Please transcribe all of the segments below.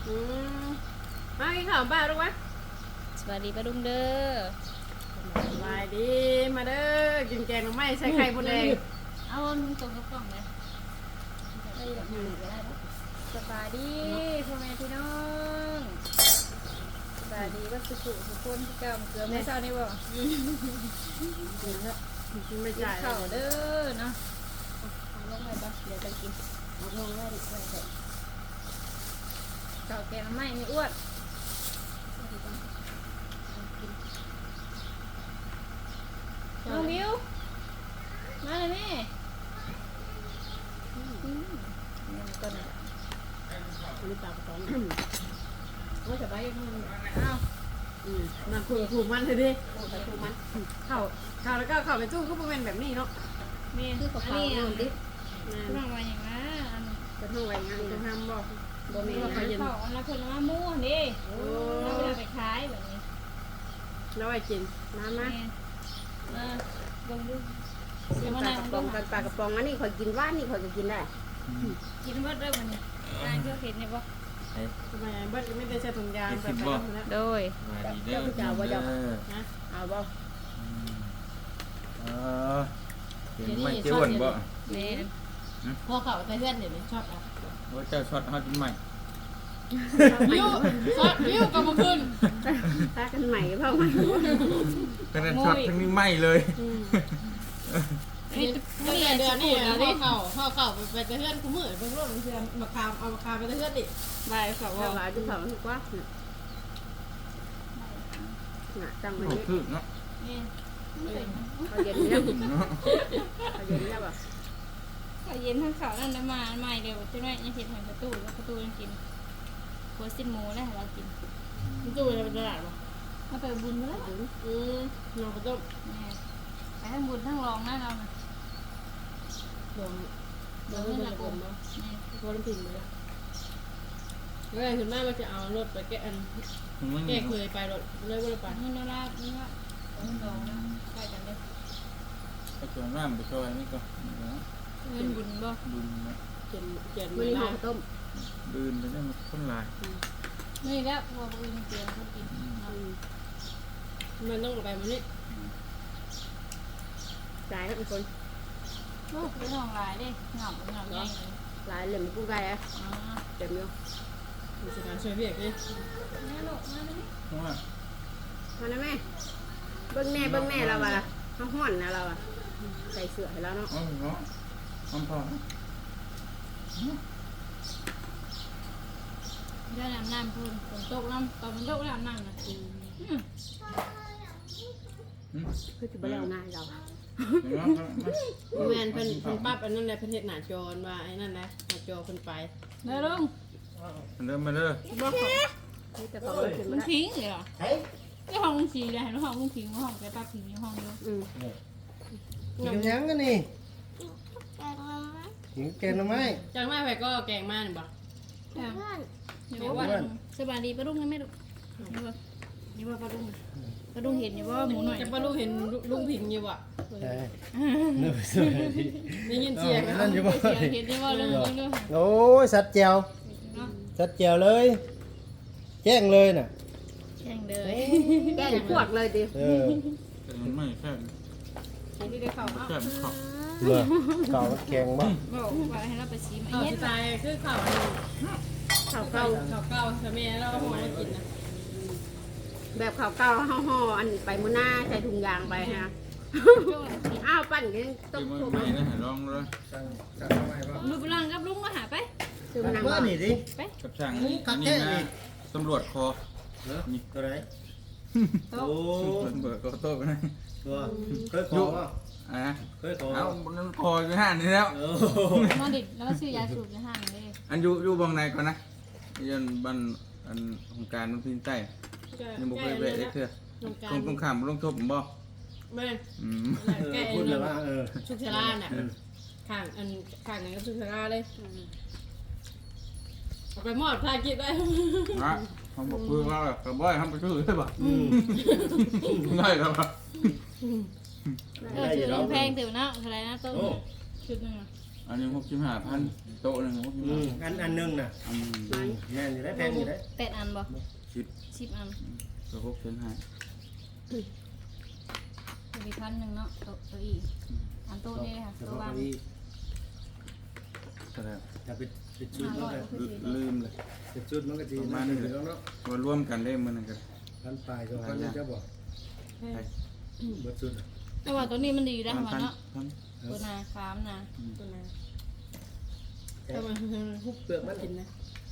มากินข้าวบ้านลูกวะสวัสดีป้าดุงเด้อสบายดีมาเด้อกินแกงหน่อไม้ใส่ไข่มดแดงเอาตรงกับกล่องเลยได้แบบนี้ก็ได้ปะสบายดีพ่อแม่พี่น้องสบายดีว่าสุขุสุขคนที่เก่าเกลือไม่เศร้านี่บ่กินไม่กินจ่ายข้าวเด้อเนาะเอาลงไปบ่เดี๋ยวจะกินเอาลงไว้ดิไว้เถอะข้าวแกงไม่ไม่อ้วนน้องมิวมาเลยแม่นี่มันก็น่ะมีตากระป๋องโอ้ยสบายยังอ้าวมาคุยถูกมันเลยดิถูกมันข้าวแล้วก็ข้าวในตู้ก็เป็นแบบนี้เนาะแม่คือกับเขาอันนี้คุณน้องว่าอย่างนั้นจะทำอะไรงานจะทำบอกบ่มีเรานะขายของอันละคนละมู่นี่เราเวลาไปขายแบบนี้แล้วไอ้กินน้ำแม่นะลงดูปลากระป๋องกันปลากระป๋องอันนี้ข่อยกินว่านนี่ข่อยก็กินได้กินเบิดเริ่มวันนี้นายก็เห็นเนี่ยบ่ทำไมเบิร์ดไม่ได้ใช้ถุงยางไปแล้วโดยมาดีเด้อเจ้าว่าเจ้านะเอาบ่เห็นไม่เจ้าอ้วนบ่แม่พอเขาแต่เพื่อนเดี๋ยวชอบอ่ะว่าเจ้าช็อตฮอตใหม่ยิ้วซอสยิ้วกับมาขึ้นถ้ากันใหม่เพิ่มใหม่ก็นั่นช็อตทั้งนี้ไหม้เลยนี่เดือนนี่พ่อเข่าไปแต่เพื่อนกูมือเพิ่งร่วมเพื่อนมาคามเอาคามไปแต่เพื่อนดิใบเขาเอาว่าหลายดูเขาถูกว่าน่ะจังโอ้เลยคือเนาะแม่เขาเย็นแล้วเขาเย็นแล้วบ่เขาเย็นทั้งเขานั่นน้ำมาใหม่เดี๋ยวจะได้ยังเห็นหอยประตูแล้วประตูยังกินหัวสิ้นหมูได้เรากินตู้จะเป็นตลาดป่ะมาไปบุญมาแล้วน้องก็ต้มแม่ไปทั้งบุญทั้งรองนะเราลงเดี๋ยวเงินละกลมแม่พอน้ำพิงเลยแล้วถึงแม่มาจะเอารถไปแก้อันมันแก้เคยไปรถเลยว่าไปเงินดอลลาร์นี่ว่าเงินรองนะใกล้กันเลยไปจนน้ำไปช่วยนี่ก็เงินบุญบ่ดุนนะเขียนเขียนมื้อไม่นี้ได้ห่อต้มดืนไปได้มันคนลายนี่แล้วพอบุญเตียงเขากินมันต้องไปมันนี่หลายทุกคนลูกเป็นทองลายดิเหงาเหงาใหญ่เลยหลายเหลี่ยมกูไก่อ่ะอ๋อเต็มอยู่มีสถานช่วยเบียกดิแม่ลูกมาเลยเพราะว่ามานะแม่เบิ่งแน่เราว่าเขาฮ้อนนะเราอ่ะใส่เสื้อให้เราเนาะเอาเนาะอ้อมพอได้น้ำพูนฝนตกน้ำตอนมันตกแล้วน้ำนะคือสิบ่แล้วง่ายเราแมนเพิ่นปั๊บอันนั้นแหละเพิ่นเฮ็ดหน้าจอว่าไอ้นั่นแหละหน้าจอเพิ่นไปเด้อลุงเริ่มมาเด้อบอกเขานี่แต่เขาบ่ขึ้นลุมาง ได้ทิ้งเลยเหรอไอ้ห้องลุงทิ้งเลยเห็นห้องลุงทิ้งห้องไปป้าทิ้งในห้องเดียวกินยังกันนี่กินแกงหน่อไม้จังแม่ไปก็แกงมานี่บ่เดี๋ยวว่าสบายดีป้าลุงนะแม่ลูกนี่ว่าป้าลุงป้าลุงเห็นอยู่ว่าหมูหน่อยจะป้าลูกเห็นลุงพิงอยู่อ่ะใช่เนื้อสวยดีได้ยินเสียงนั่นอยู่บ่เห็นได้ว่าลุงลุงโอ้ยสัตว์แจวสัตว์แจวเลยแจ้งเลยน่ะแข่งเลยแกงพวกเลยดิเออแต่มันไม่แค่ที่ได้เข้าแค่ขอบเมื่อเก่าแข็งบ่บอกว่าให้เราไปชิมไอ้เข้าเย็นสไตล์คือข้าวข้าวเก่าข้าวเก่าแต่แม่เราห่อมากินนะแบบข้าวเก่าห่ออันไปมื้อหน้าใส่ถุงยางไปฮะอ้าวปั่นกันต้คือมมันทุบไม่นะลองเลยดูพลังกับลุงมาหาไปซื้อมานั่งว่านี่ดิกับช่างนี่นะตำรวจคอนี่ตัวไหนโอ้เบิร์ก็โต้ไปนะตัวเคยขอป่ะอ่ะเคยขอเอามันคออยู่ห้านนี่แล้วโอ้มาดิแล้วซื้อยาสูบในห้างเลยอันอยู่บางในก่อนนะยันบันอันของการมันพินใต้ยังบุกไปเบะได้เถอะตรงขามลงทบผมบอกแม่เออพูดเลยว่าเออชุกชราเนี่ยข้างอันข้างนั้นก็ชุกชราเลยเอาไปมอดพากินได้นะเขาบอกคือว่าแบบกระบอยทำไปชื่อใช่ป่ะง่ายครับชื่อลุงแพงถือนะอะไรนะต้นชุดนึงออันนี้65,000โต๊ะหนึงอืม 65,000 อันหนึงน่ะอันแม่นอยู่ได้แพงอยู่ได้ 8อันบ่ 10 10อันก็6,500 มี1,000เนาะโต๊ะอีอันโต๊ะนี่ค่ะเฉโต๊ะพาะวางเก้าอี้เท่าไหร่ถ้าเป็นชุดมันก็ลืมเลยเป็นชุดมันก็สิประมาณนั่นี้นเลยแล้วเนาะมารวมกันได้มื้อนั้นก็พันปลาย2,000นี่จะบอกไปเบิดชุดน่ะแต่ว่าตัวนี้มันดีได้ค่ะเนาะพันตัวนาคามนะตัวนั้นถ้ามันฮุบเปลือกมันกินนะ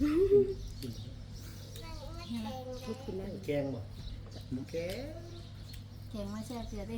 ลูกกินได้แกงบ่แกงแข็งมาแช่เสียดิ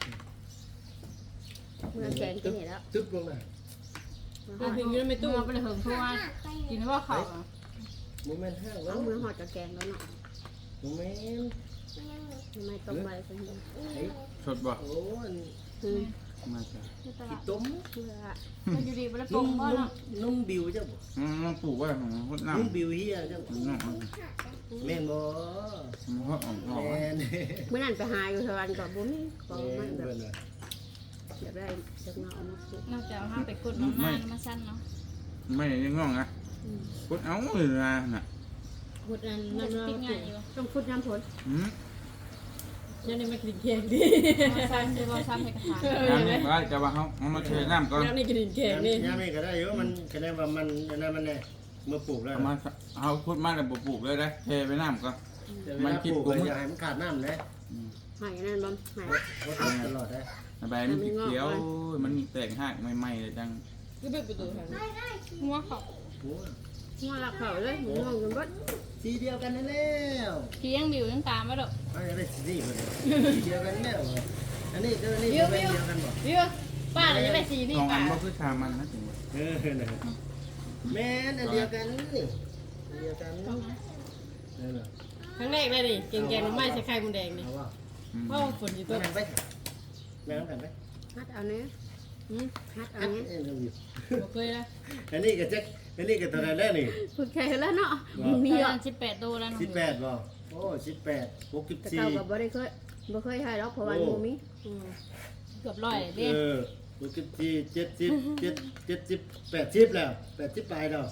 เมื่อแกงกินเห็นแล้วตึ๊บลงน่ะมันถึงอยู่ในตู้ตู้ไปเลยเหิงทั่วกินว่าเขาบ่แม่นห้างแล้เอาวมือหอดกับแกงแล้วเนาะบ่แม่นทำไมต้มใบคนเดียวไอ้สดบ่โอ้อันอืมมาจ้ะที่ตขี้ลาดต้มเพื่อมันอยู่ดีไปแล้วปนุ่งมบ่เนาะนุ่มบิวจ้ะบ่มันปลูกไว้ของฮดน้ำนุ่มบิวเฮียจ้ะบ่น้องแม่นบ่มันฮดออกแม่นเมื่อนั้นไปหาอยู่เทวันก่อนบุ้มก็แม่ไม่นแบบเบิ่นว่าอยากได้จากเงาเอามาปลูกนอกจากห้ามไปกดน้ำมันมาสั้นเนาะไม่ยังงองนะพุดเอาเลยนะน่ะพุดอันมันั่นนจะเนาะปิดง่ายอยู่ต้องพุดน้ำผลยังนี่มากินเค้กดิซ้ำจะว่าซ้ำให้กระถางน้ำนี่ว่าจะว่าเขาเอามาเทน้ำก่อนยังนี่กินเค้กนี่ยามนี้ก็ได้อยู่มันก็ได้ว่ามันอันนั้นมันแน่เมื่อปลูกแล้วเอามาเอาพุดมาแล้วปลูกเลยได้เทไปน้ำก่อนแต่เวลาปลูกก็อย่าให้มันขาดน้ำนะหายนั่นบ้างหายเพราะตลอดได้ใบมันเขียวมันแตกหักใหม่ๆเลยจังก็เปิดประตูทางหัวเขาโอ้หัวหลักเขาเลยหมูงงกันบดสีเดียวกันนั่นแล้วเคียงบิวยังตามมาดอกมันจะได้สีเดียวกันแล้วอันนี้ก็อันนี้ก็เป็นเดียวกันบ่เดี๋ยวป้าเราจะได้สีนี่ทองอัป้านก็คือชามันนะถึงว่านะแม่นอันเดียวกันนี่เดียวกันนั่นน่ะครั้งแรกเลยนี่แกงน้ำไม้ใส่ไข่มุนแดงนี่เอาว่าเพราะฝนอยู่แม่ตัวงไปแม่งกันไปฮัดเอาเนี้ยฮัดเอาอันเนี้ยนี้เราอยู่บ่เคยนะอันนี้ก็จักอันนี้ก็ตัวนั้นแล้วนี่คุณแค่แล้วเนาะมีมีอ่ะ 18ตัวแล้ว 18บ่โอ้18 แต่เก่ากับบ่ได้เคยบ่เคยให้หรอกเพราะว่าหมูมีเกือบร้อยเด้ 64 70 80แล้ว80ปลายแล้ว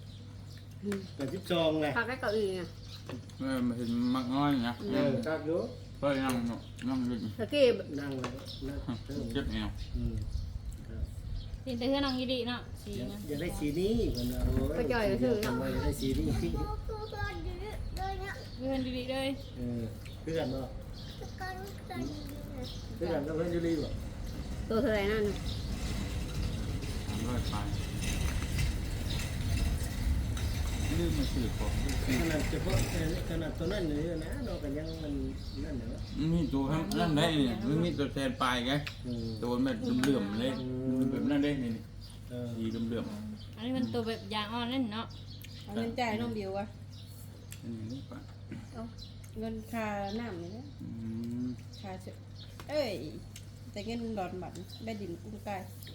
82แหละพักได้เก้าอี้ไงเห็นมักน้อยนะครับอยู่ก็นั่งดึงตะกี้นั่งเลยนั่งเติมเจ็บแอวเห็นแต่เพื่อนนางยีดีเนาะสีนะอยากได้สีนี้มันอยากได้สีนี้เพื่อนดีๆเลยเพื่อนเนาะเพื่อนกับเพื่อนยูรีบ่ตัวเท่าไหร่นั่นร้อยไปลืมมาสื่อของขนาดเฉพาะขนาดตัวนั้นเลยนะเราก็ยังมันนั่นเนาะมีตัวนั่นได้เนี่ยมันมีตัวแทนปลายไงตัวแบบเหลื่อมเลยแบบนั่นได้นี่ดีเหลื่อมอันนี้มันตัวแบบยางอ่อนเล่นเนาะเอาเงินจ่ายน้องบิวอะนี่ปะเงินค่าน้ำนี่นะค่าเชเอ้ยแต่เงินดอนบัตรได้ดินกุ้งไก่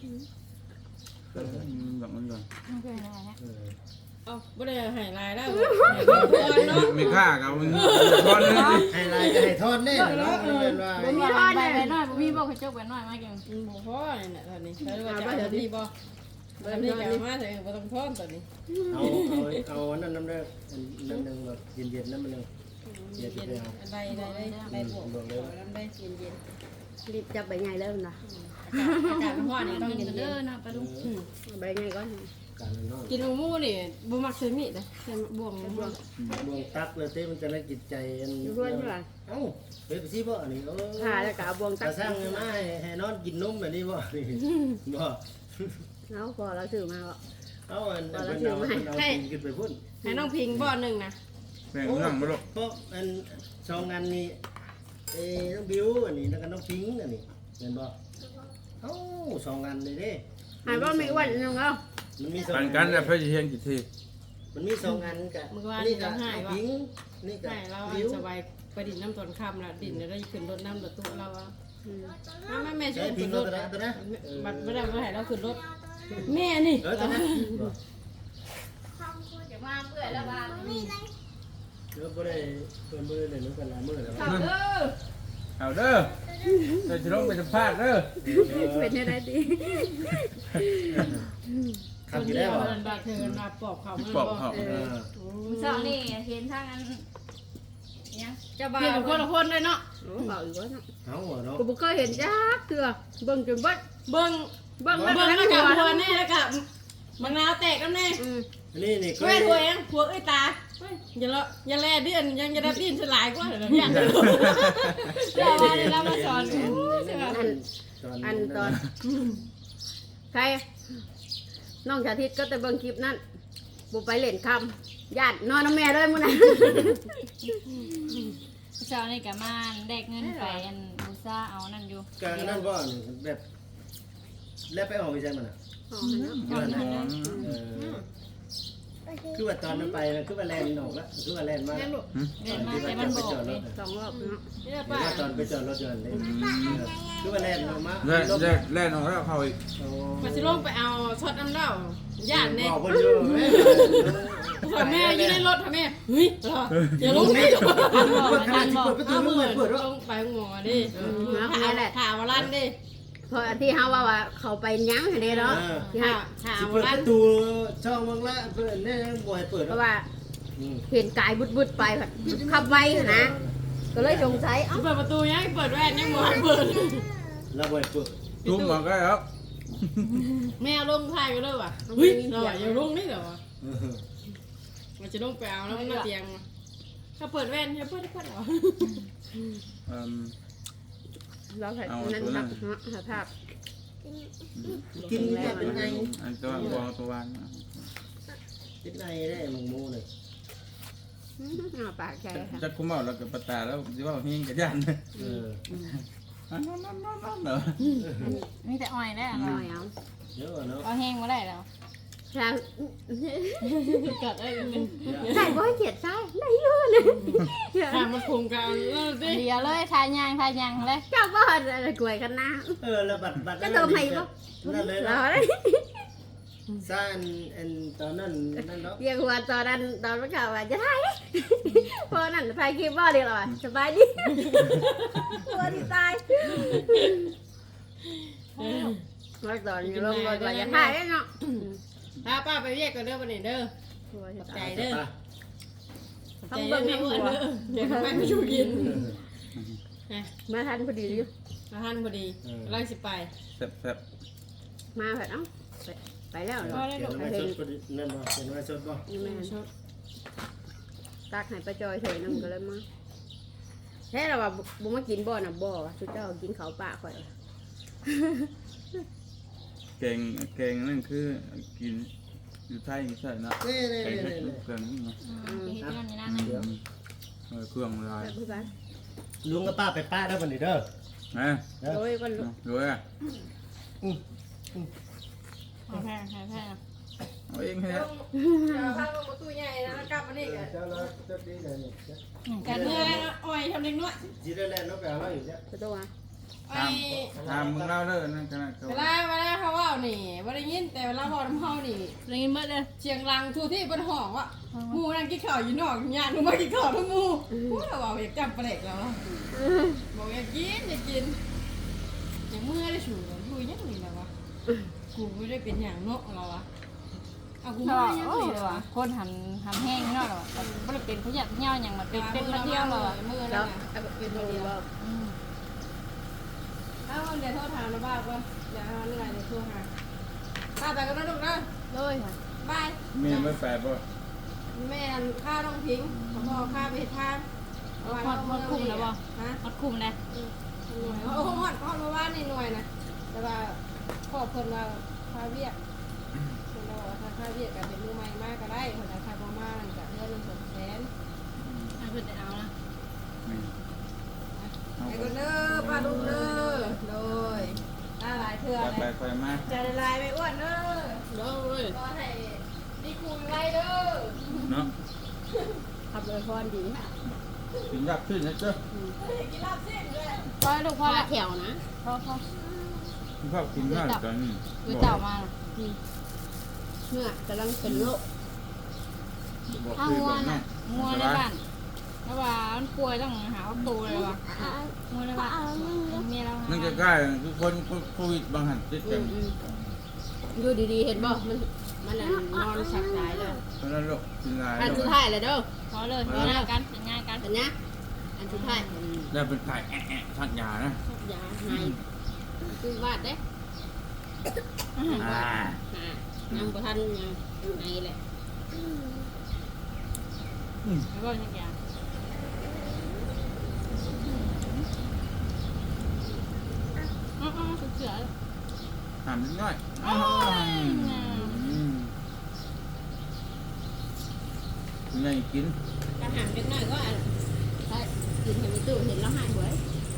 แบบนั้นเลยไม่เคยอะไรนะเอ้าบ่ได้ให้รายได้บ่เนาะไม่ฆ่ากับมันตอนนี้ให้ลายก็ให้ทอดแน่เนาะมันเป็นว่ามีทอดไปหน่อยมีบอกให้เจ้าไปหน่อยมาเก่งบ่พอนี่น่ะตอนนี้ใช้ว่าจะเอาดีบ่ตอนนี้ก็มาถึงบ่ต้องทอนตอนนี้เอานั่นน้ำเด้อนั่นนึงแบบเย็นๆนั่นมันนึงเย็นๆได้บวกน้ำได้เย็นรีบจับใบใหญ่แล้วนะๆอากาศร้อนนี่ต้ต้ออง งกิเย็นนเด้อนะปลาดุกใบใหญ่ก่อนการนอนกินหมูนี่บ่มักซื้อมีดนะใส่บ่วงบวงดวงตักเลยเต้มันจะได้จิตใจอันอยู่ด้วยใช่ไหมเอ้าไปสิบ่อันนี้เออหาแล้วก็เอาบวงตัตาก สร้างมาให้นอนกินนมแบบนี้บ่นี่บ่แล้วพอเราถือมาก็เอาอันเอากินขึ้นไปพุ่นให้น้องพิงบ่อนึงนะแบ่งเรื่องมาลูกเพราะอันสองอันนี้น้องบิวอันนี้แล้วก็น้องพิงอันนี้เห็นบ่เอ้าสองอันเลยเด้หายว่าไม่อ้วนนึงแล้วมันมีสองกันกันแล้วเพื่อจะเห็นกี่ทีมันมีสองอันกะนี่ก็พิงนี่ก็ใช่เราบิวสบายไปดินน้ำตอนค่ำละดินแล้วได้ขึ้นรถน้ำรถตู้เราอ่ะแม่ช่วใช้ยพิขึ้งนรตัวถนั้นตัวนั้นบัดไม่ได้ไม่ให้เราขึ้นรถแม่นี่ตัวนั้นอย่ามาเปื่อยแล้วบ้านเดี๋ยวบ่ได้เพิ่นบ่ได้เล่นกันหลายมื้อแล้วขับเด้อเอาเด้อจะลงไปสัมภาษณ์เด้อเป็นยังไงดีขับอยู่ได้บ่เดินบาเธอมาปอบเขาปอบเขาเช้านี่เห็นทางอันเนี่ยเจ้าบ่าวเพียงคนละคนเลยเนาะโอ้เบาอีกแล้วเนาะเอาเนาะกูบ่เคยเห็นจักเถื่อเบิ่งจนเบิดเบิ้งเบิ่งเบิ้งแล้วกับหัวแน่แล้วกับมะนาวแตกแล้วแน่นี่เคเว้ยยหัวเองหัวเอ้ยตาอย่าละอย่าแลเดือนยังจะได้ดิ้นสลายกว่าเดี๋ยวเนี่ยเดี๋ยวว่าเดี๋ยวเรามาสอนใช่ไหมอันตอนใครน้องชาทิตก็แต่เบิ่งคลิปนั้นบ่ไปเล่นคำญาตินอนน้ำแม่เลยมื้อนั้นเช้านี่ก็มาแดกเงินไปอันบูซ่าเอานั่นอยู่การนั่นบ่แบบแล้วไปออกไปใช่มันอ่ะอ๋อเนาะคือว่าตอนนั้นไปนะคือว่าแลนออกแล้วคือว่าแลนมาแม่ลูกเดินมาแต่มันบอกเลยสองรอบเนาะนี่หป้ารือว่าตอนไปจอดรถยนต์เลยคือว่าแลนออกมาแล่นออกแล้วเขาอีกมาสิลงไปเอาช็อตน้ำเล่าญาติเนี่ยบอกคนอยู่แม่ถอยแม่อยู่ในรถถอยแม่เฮ้ยอย่าลงนี่เปิดประตูไม่เปิดลงไปงอดิถามว่าลั่นดิเพราะที่เฮาว่าเขาไปยั้งให้ได้เนาะที่เฮาถามเปิดว่าปลั่นระตูช่องมังละเปิดเนี่ยบ่อยเปิดเพราะว่าเห็นกายบุดๆไปแบบขับไวนะ ก็เลยสงสัยเอ้าเปิดประตูยังเปิดแว่นยังมองเปิดแล้วบ่อยเปิดตุ้มมาก็แล้วแม่ลงท้ายไปเลยว่ะเฮ้ยเราอย่าลงนี่เหรอวะมันจะลงไปเอาแล้วมันมาเตียงถ้าเปิดแว่นให้เปิดเหรอเราใส่นั้นครับสภาพกินแล้วเป็นไงอันตัวบอตัววันเป็นไงได้มึงโม่เลยปากใจค่ะจะคุ้มเอาแล้วกับปตาแล้วจะว่าเฮงกับยัน นั่นเหรอมีแต่อ้อยได้หน่อยเอาเยอะเนาะเอาแห้งมาได้แล้วใช่กัดได้เป็นใส่บ่ให้เขียดใส่ได้เยอะเลยถามมันคุมกันแล้วสิเดียวเลยทายางเลยเจ้าบ้านอะไรกล้วยกันนะแล้วบัตรนั่นเลยเรานะได้ซ่านอันตอนนั้นนั่นเนาะเรียกว่าตอนนั้นตอนเมื่อข่าวว่าจะถ่ายพอนั่นถ่ายคลิปบ่ดีหรอสบายดีตัวที่ตายมาตอนอยู่ลงรถว่าจะถ่ายเนาะถ้าป้าไปเรียกกันเด้อวันนี้เด้อตัวที่ใจตายเด้อต้องใจเบิ่งไม่ให้อ้หัวนวเด้อเดี๋ยวไปไม่ชูกินมาทันพอดีอยู่มาทันพอดีไล่สิไปแซ่บมาเถอะเอ้าไปแล้วเหรอก็ได้เขียลูนกไว้สดนั่นบ่เขียนไว้สดบ่นี่แม่ตักให้ป้าจอยเฉยน้ำก็เลยมาแท้เราว่าบุมากินบ่อน่ะบ่สุดเจ้ากินเขาป่าข่อยแกงนั่นคือกินอยู่ไทยใช่นะนี่แกงเครื่องนี่นะเฮ็ดนั่นนี่นั่นเครื่องลายแบบพี่บ้านลุงกับป้าไปป้าได้บ่นี่เด้อนะโอ้ยวันลุกดูอ่ะแพงเอาเองให้พาลงประตูใหญ่นะกลับมานี่กันเจ้าเราจะดีเลยนี่กันเมื่ออ้อยทำเด็กน้อยสิได้แล้วเนาะไปเอาเราอยู่จ้ะประตูอ่ะอ้อยทำมึงเล่าเด้อนั่นขนาดเขาเวลาเขาว่านี่ว่าได้ยินแต่เวลาบอกน้ำเฮานี่ได้ยินเบิดเลยเชียงรังทูที่บนห้องว่ะหมูนั่งกินข้าวอยู่นอกญาติหนูมากินข้าวทั้งหมูพูดว่าอยากจำปลาเล็กแล้วบอกอยากกินอย่างเมื่อได้ชูอยู่ยังนี่แล้ววะกูไม่ได้เป็นอย่างเนาะเราอะเอากูก็มายังโอ้นี่ยเลยวะคนหันแห้งเนาะแต่บ่ได้เป็นผู้หญิงเหี่ยวหยังมาเป็นมาเที่ยวเลยมือแล้นั่วนน่ะเป็นตัวเดียวถ้าวันเดียวโทษถามนะบ้าก่อนอย่าเอาเหนื่อยเดี๋ยวโทรหาป้าไปกันนะลูกนะเลยค่ะบายเมียไม่แปดป่ะแม่ข้าต้องทิ้งพ่อข้าไปทานฮอดคุมแล้วบ่ฮะฮอดคุมเลยหน่วยโอ้โหฮอดเมื่อวานนี่หน่วยนะแต่ว่าพ่อเพิ่นว่าค่าเวียกเพิ่นว่าถ้าค่าเวียกก็เป็นมือใหม่มากก็ได้เพิ่นว่าค่าบ่มานั่นก็เดือนละ200,000 ให้เพิ่นได้เอานะไอ้คนเด้อป้าลุงเด้อโดยหลายเทื่อไปเลยไปมาจะได้ลายไม่อ้วนเด้อโดยก็ให้ดีคูณไรเด้อเนาะขับเลยพรดีกินยากขึ้นนะเจ้ากินลาบเส้นด้วยพอลูกพพออละละแถวนะพอชอบกินมากตอนนี้คือเจ้ามาเมื่อกำลังเป็นโรคบอกถ้าคืองัวแบบนั้น่ะนงัวในบ้านในราะว่ามันป่วยต้องหาวัคซีนเลยว่ะมือเลยว่ะเมียเรานั่นก็ใกล้ทุกคนโควิดบางหันติดกันอยู่ดีๆเห็นบ่มันนอนสักสายเลยเพราะนั้นลูกกินหลายอันสุดท้ายเลยเด้อพอเลยง่ายกันง่ายกันเห็นนะอันสุดท้ายแล้วเป็นไข่ทักยานะยาให้คือวาดเด้ ยังบ่ทันยังไงแหละแล้วก็อย่างเสือถามนิดหน่อยยังไงกินอาหารเล็กน้อยก็ถ้ากินให้ไม่ตู้เห็นแล้วหายหวย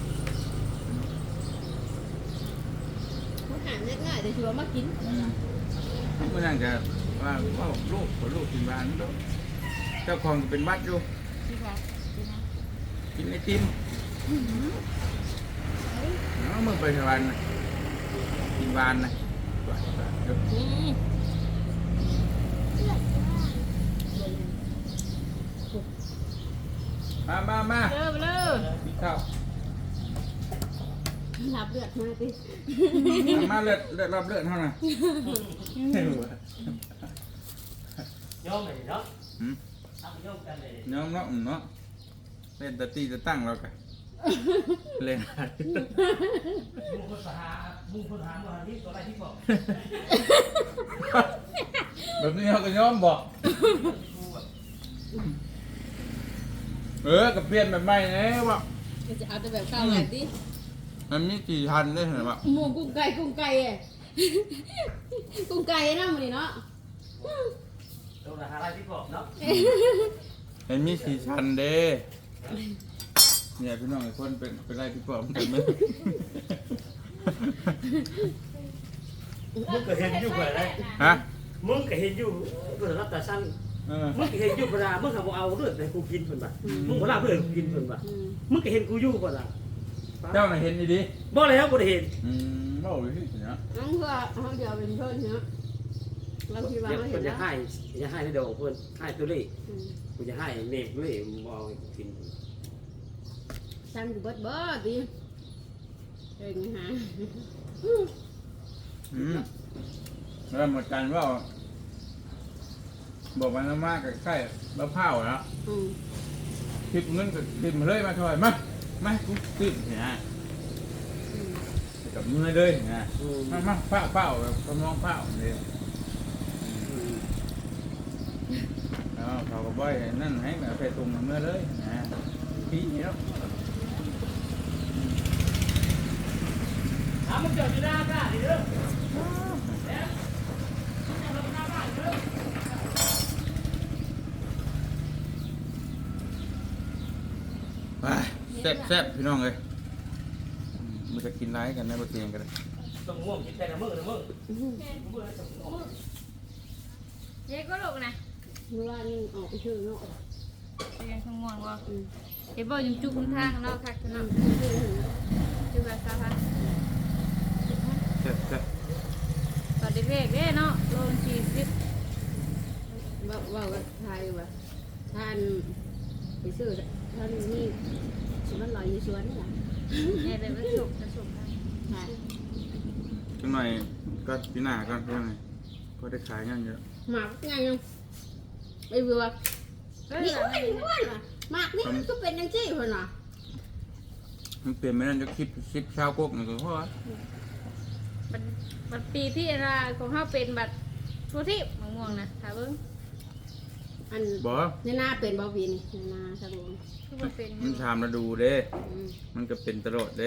อาหารเล็กน้อยแต่ชัวร์มากินเมื่อนั้นจะว่าลูกกินบ้านลูกเจ้าของเป็นวัดอยู่ที่แบบกินไอติมเมื่อไปสวรรค์กินบ้านนะมาเริ่มเลยพี่ข้าวรับเลือดมาสิมาเลือดรับเลือดเท่านั้นยอมเลยเนาะหืมทำยอมกันเลยน้องเนาะเล่นตะตีจะตั้งเรากันเล่นมึงคนหาว่าที่ตัวอะไรที่บอกแบบนี้เขาก็ย้อมบอกก็เปลี่ยนแบบใหม่แล้วว่ะจะเอาแต่แบบข้าวใหญ่ดิมันมีกี่ทันได้เห็นป่ะหมูกุ้งไก่กุ้งไก่กุ้งไก่นะมันนี่เนาะตัวหาอะไรที่บอกเนาะเห็นมีสี่ชั้นเด้เนี่ยพี่น้องอีกคนเป็นไรพี่ปอบกันไหมมึงก็เห็นอยู่เปล่าเลยฮะมึงก็เห็นอยู่ก็รับแต่สั่งมึงก็เห็นอยู่เวลามึงหาบ่เอาเรื่องแต่กูกินเพิ่นบ่มึงบ่รับเรื่องกูกินเพิ่นบ่มึงก็เห็นกูอยู่เปล่าเจ้าน่ะเห็นดีบ่แล้วบ่ได้เห็นบ่ไปที่เนาะน้องเพื่อเขาเดี๋ยวเป็นเพื่อนเนาะเราคิดว่าเขาเห็เพิ่นนแล้จะวให้ในดอกเพิ่นให้ตัวเลขกูจะให้เมฆเลยบ่เอากินสั่งอยู่เบิดดิเองฮะแล้วหมดกันว่าบอกมันมากใกล้ๆมะพร้าวนะคลิปเงินกับคลิปมาเลยมาช่วยมากูติดเนี่ยกับมือเลยเนี่ยมาเฝ้าแบบกำลังเฝ้าเลยเขาก็บ่อยนั่นให้แบบไปตรงมือเลยนะพี่เนาะมึงจอดอยู่หน้าบ้านดิเด้อไปแซ่บพี่น้องเลยมันจะกินไรกันนะบะเตียงกันต้องง่วงกินแต่ละมื้อละมื้อเย้ก็ลูกนะเมื่อวานออกไปชื่อเนาะเรียนขมวงว่าเห็นบ่ยังจุกคุณทางเนาะคักเนาะจุกแบบสาพันแซ่บตอนเด็กๆเนาะโลน40 ว่าไทยว่าท่านไปซื้อท่านนี่มันลอยอยู่สวนนี่แหละเนี่ยเลยมันสุกกันใช่จังหน่อยก็พี่หน้าก็ยังไงก็ได้ขายงั้นเยอะหมากไงยังไอ้เบือนี่อ้วนว่ะหมากนี่มันก็เป็นยังจี้คนน่ะมันเปลี่ยนไม่ได้จะคลิปชาวกกนี่ก็เพราะว่าบัดปีที่ราของเฮาเป็นบัดทั่วที่มะม่วงนะถ้าเบิ่งอันบ่ในนาเป็นบ่วีนี่ในนาสะลงคือบ่เป็นมันชามระดูเด้ มันก็เป็นตลอดเด้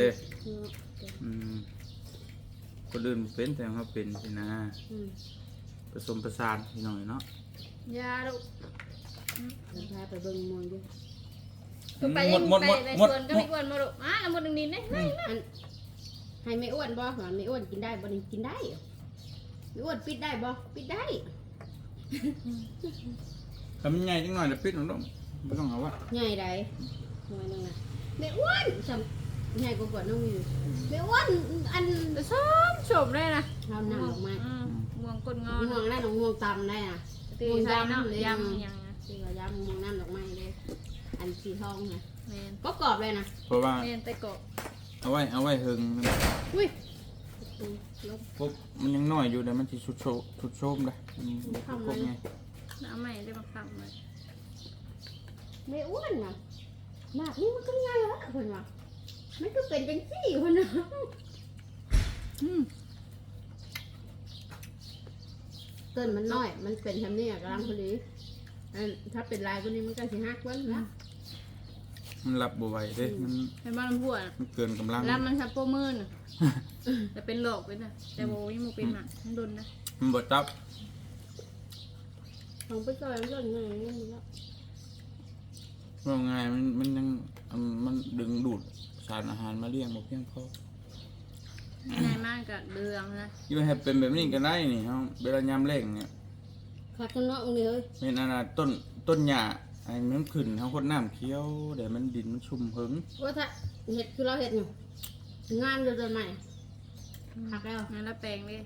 คนอื่นเป็นแต่เขาเป็นสินะผสมประสานพี่น้องเนาะยาลูกพาไปเบิ่งมวยด้วยคือไปยังไปในสวนก็ไม่อ้วนมาลูกแล้วหมดนึงนี่นะอันให้ไม่อ้วนบ่หรอไม่อ้วนกินได้บ่นี่กินได้ไม่อ้วนปิดได้บ่ปิดได้ทำยังไงจังหน่อยจะปิดหนุ่มไม่ต้องเอาวะใหญ่ใดหน่วยนึงน่ะไม่อ้วนจำใหญ่กว่าน้องมีไม่อ้วนอันชมได้นะเรานั่งออกมาม่วงก้นงอม่วงได้หนองม่วงตำได้น่ะตีใส่เนาะยำอย่างที่ว่ายำม่วงน้ำดอกไม้เลยอันสีทองนะแมนก็กรอบเลยนะเพราะว่าแมนแต่กบเอาไว้เฮิงอุ้ยปุ๊บมันยังน้อยอยู่แต่มันสิชุดโชมเลยกบไงน้ำใหม่ได้มาทำเลยไม่อ้วนนะหนักนี่มันก็ง่ายแล้วคนว่ามันก็เป็นจังซี่คนนะต้นมันน้อยมันเป็นทำนี่กำลังพอดีถ้าเป็นลายตัวนี้มันก็สิหักไว้นะมันรับบ่ไหวเด้มันเป็นบ้านลำพูอ่ะมันเกินกำลังแล้วมันชับโปมืนแต่เป็นหลอกเป็นนะแต่โมยมูเป็นหนักมันโดนนะมันบ่จับของไปก่อนมันก็ง่ายนี่มันก็ว่าไงมันยังมันดึงดูดสารอาหารมาเลี้ยงบ่เพียงพอง่ายมากกับเดืองนะอยู่ให้เป็นแบบนี้ก็ได้นี่เฮาเวลายามแล้งเนี่ยขาดคนนอกนี่เลยเป็นอันน่ะต้นหญ้าไอ้มันขึ้นเฮาคนน้ำเคี้ยวเดี๋ยวมันดินมันชุ่มหึงว่าถ้าเห็ดคือเราเห็ดอยู่งานเดินใหม่หักแล้วงั้นแล้วแปลงเลย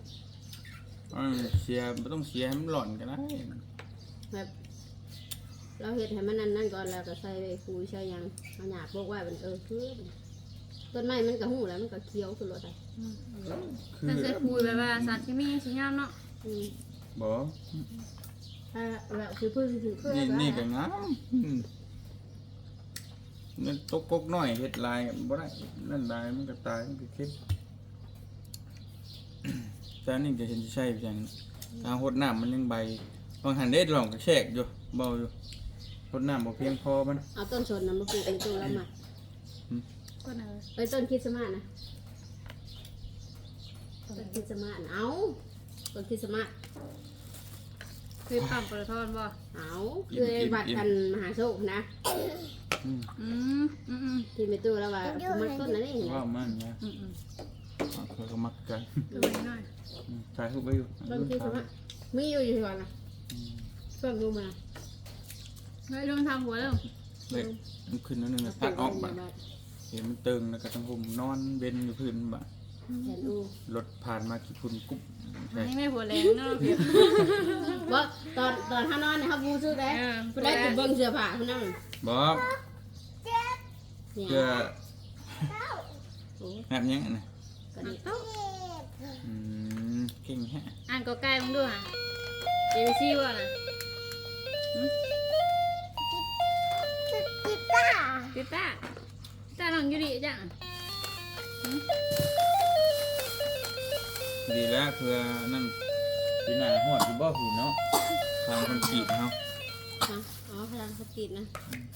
เสียบ่ต้องเสียให้มันหล่อนก็ได้แบบเราเห็ดให้มันนั่นก่อนแล้วก็ใส่คุยใส่ยังเอาหยาบพวกไว้มันคือต้นไม้มันก็หูแล้วมันก็เคี้ยวคือรถอะไรคือแต่ใส่คุยแบบว่าสารเคมีสีงามเนาะบ่ถ้าแบบคือพืชคือพืชนี่ก็งามมันตกกกน้อยเฮ็ดลายบ่ได้นั่นลายมันก็ตายมันก็เค็มแต่อันนี่ก็เห็นสิใช่จังทางหดน้ำมันยังใบบางหันเด็ดลองก็แชกอยู่เบาอยู่หดน้ำบ่เพียงพอมันเอาต้นชนนะมาปลูกในต้นละหมาดก็เนยไปต้นคริสต์มาสนะต้นคริสต์มาสเอาต้นคริสต์มาสคือปั๊มปลาทอนบ่เอาคือบัตรกันมหาโชคนะ ที่ไม่ตู้แล้วว่ามักต้นนั้นนี่เห็นไหมว่ามันนะเขาก็มักกันดูหน่อยถ่ายรูปไว้อยู่ต้นคริสต์มาสมีอยู่ก่อนนะเพิ่งดูมาเฮ้ยลงทำหัวแล้วเล็กมันขึ้นนิดนึงนะพักออกบ่เห็นมันตึงแล้วก็ต้องห่มนอนเว้นอยู่พื้นบ่เห็นดูรถผ่านมากี่ฝุ่นกุ๊บใช่นี่ไม่หัวแรงเนาะเพียบว่าตอนห้านอนนะครับบูซื้อได้ได้ติดเบิ้งเสื้อผ้าเขานั่งบ่เนี่ยเพื่อแบบยังไงนะก็นี่เก่งแฮะอ่านก็ใกล้มึงด้วยอ่ะเอวิซี่ว่าน่ะติต้าน้องยูริจ้ะดีแล้วเพื่อนั่นปีหน้าฮอดอยู่บ่หูเนาะทางคนขีดเฮาอ๋อพลังสตินะ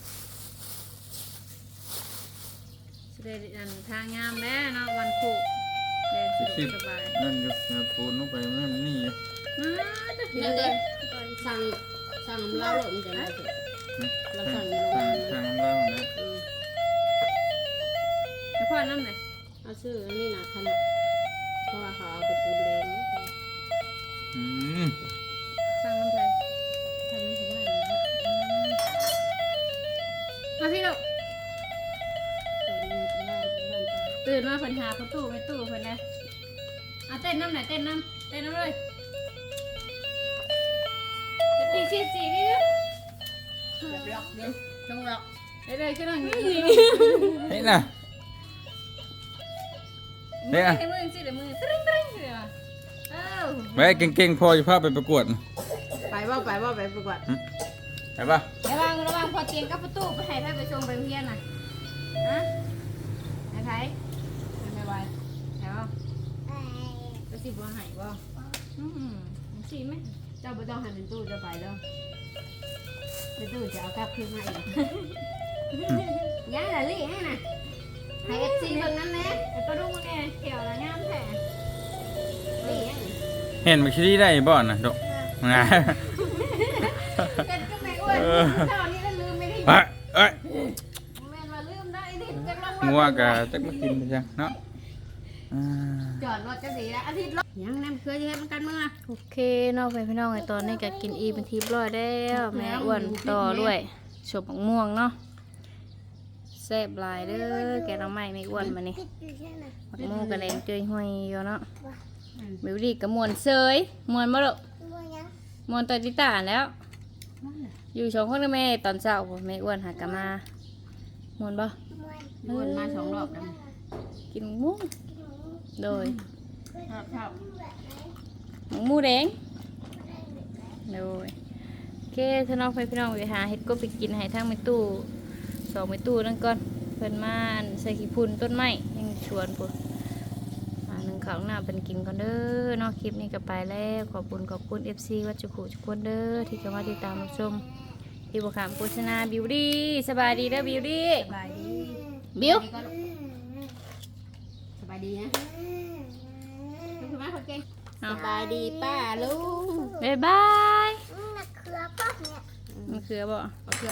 แสดงทางงามแล้วเนาะวันคู่เดินสะดวกสบายนั่นอยู่ปูนลงไปนั่นนี่อยู่นั่นเลยสั่งเล่าหล่นจะได้เสร็จเราสั่งในโรงงานทางน้ำเล่านะให้พ่อน้ำหน่อยเอาซื้อนี่นะขนาดเพราะว่าเขาเอาไปปูนแดงสั่งน้ำไทยทำให้เขาว่ามาพี่ลูกตื่นมาเพิ่นหาประตูไม่ตู้เพิ่นนะเอาเต้นน้ำหน่อยเต้นน้ำเลยตีสี่นี่แบบล็อกเด้ต้องล็อกเลยก็ต้องอย่างนี้เฮ้ยน่ะมือให้มือสิเดี๋ยวมือตริ้งเลยว่ะแม่เก่งๆพอจะพาไปประกวดไปว่าไปประกวดไปป่ะระวังพอเตียงกับประตูไปให้ไปชงไปเพี้ยนน่ะฮะไอ้ไทยไม่ไหวแล้วก็สิบัวหายบ่สิไหมเจ้าไม่ต้องหันเป็นตู้จะไปแล้วเป็นตู้จะเอากลับคืนมาอีกยังละลี่ให้น่ะให้เอฟซีเบิ่งนั้นแน่ก็ดูมันเนี่ยเขียวแล้วงามแท้ลี่ยังเห็นมันคิดได้บ่น่ะดอกงาเป็นก็ไม่อ้วนเท่านี้แล้วลืมไม่ได้เอ้ยแม่นว่าลืมได้นี่จักรางวัลงัวกะจักมากินไปจังเนาะจอดรถจะสีแล้วอาทิตย์รถยังน้ำเคยจะให้มันกันเมื่อโอเคเนาะพี่น้องไอ้ตอนนี้ก็กินอีเป็นทีร้อยแล้วแม่อ้วนต่อด้วยฉบม่วงเนาะแซ่บหลายเด้อแกน้องใหม่ไม่อ้วนมานี่มักม่วงกระแดงเจยห้อยอยู่เนาะบิวดี้กับมวนเซยมวนบ่ลูกมวนตอติตาแล้วอยู่สองคนกับแม่ตอนเช้าบ่แม่อ้วนหากะมาม่วนบ่วนมา2 รอบแล้วกินหมูโดยครับหมูแดงโดยโอเคถ้าน้องพี่น้องไปหาเฮ็ดก็ไปกินให้ทางแม่ตู้2แม่ตู้นั่นก่อนเพิ่นมาใส่ขี้พุ่นต้นไม้ยังชวนพุ่นนึงข้าวหน้าเป็นกินก่อนเด้อเนาะคลิปนี้ก็ไปแล้วขอบคุณ FC วัดจุกุทุกคนเด้อที่เข้ามาติดตามรับชมที่บ่ขามโฆษณาบิวดี้สบายดีเด้อบิวดี้สบายดีบิวสบายดีนะคือมาคนเก่งเอาสบายดีป้าลุงบ๊ายบายนักเครือป้าเนี่ยมันคือบ่